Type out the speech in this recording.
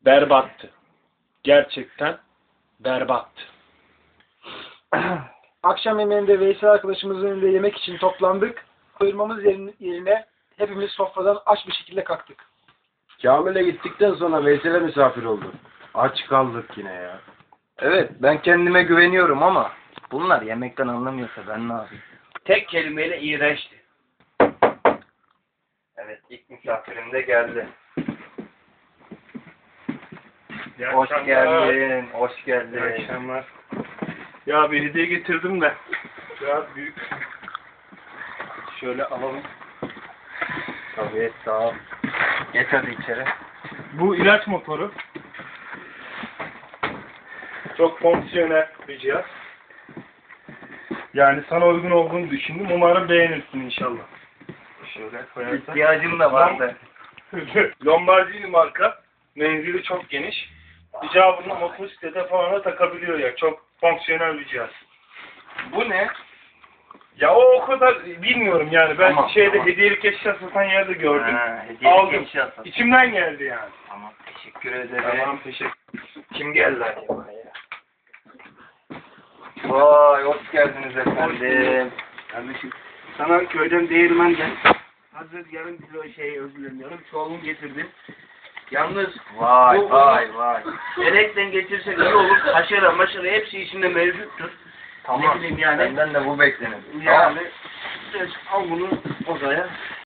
berbattı. Gerçekten berbattı. Akşam yemeğinde Veysel arkadaşımızın önünde yemek için toplandık. Doyurmamız yerine hepimiz sofradan aç bir şekilde kalktık. Kamil'e gittikten sonra Veysel'e misafir olduk. Aç kaldık yine ya. Evet, ben kendime güveniyorum ama bunlar yemekten anlamıyorsa ben ne yapayım? Tek kelimeyle iğrençti. Evet, ilk misafirim de geldi. Hoş geldin, hoş geldin. İyi akşamlar. Ya bir hediye getirdim de. Biraz büyük. Şöyle alalım. Tabii, sağ ol. Geç hadi içeri. Bu ilaç motoru. Çok fonksiyonel bir cihaz. Yani sana uygun olduğunu düşündüm. Umarım beğenirsin inşallah. Şöyle koyarsak. İhtiyacım da vardı. Lombardini marka. Menzili çok geniş. İcabında motosiklete falan da takabiliyor ya. Çok fonksiyonel bir cihaz. Bu ne? Ya o kadar bilmiyorum yani. Ben Tamam, şeyde tamam. hediyelik eşya satan yerde gördüm. Hediyelik Aldım. eşya satın. İçimden geldi yani. Tamam, teşekkür ederim. Tamam, teşekkür. Kim geldi acaba ya? Vay, hoş geldiniz efendim. Kardeşim, sana köyden değirmenden hazır yarım kilo özlemiyorum. Çoğunu getirdim. Yalnız Vay, vay, vay. elekten getirsek iyi olur. Haşere maşere hepsi içinde mevcuttur. Tamam, Ne bileyim yani. benden de bu beklenir. Yani al bunu odaya.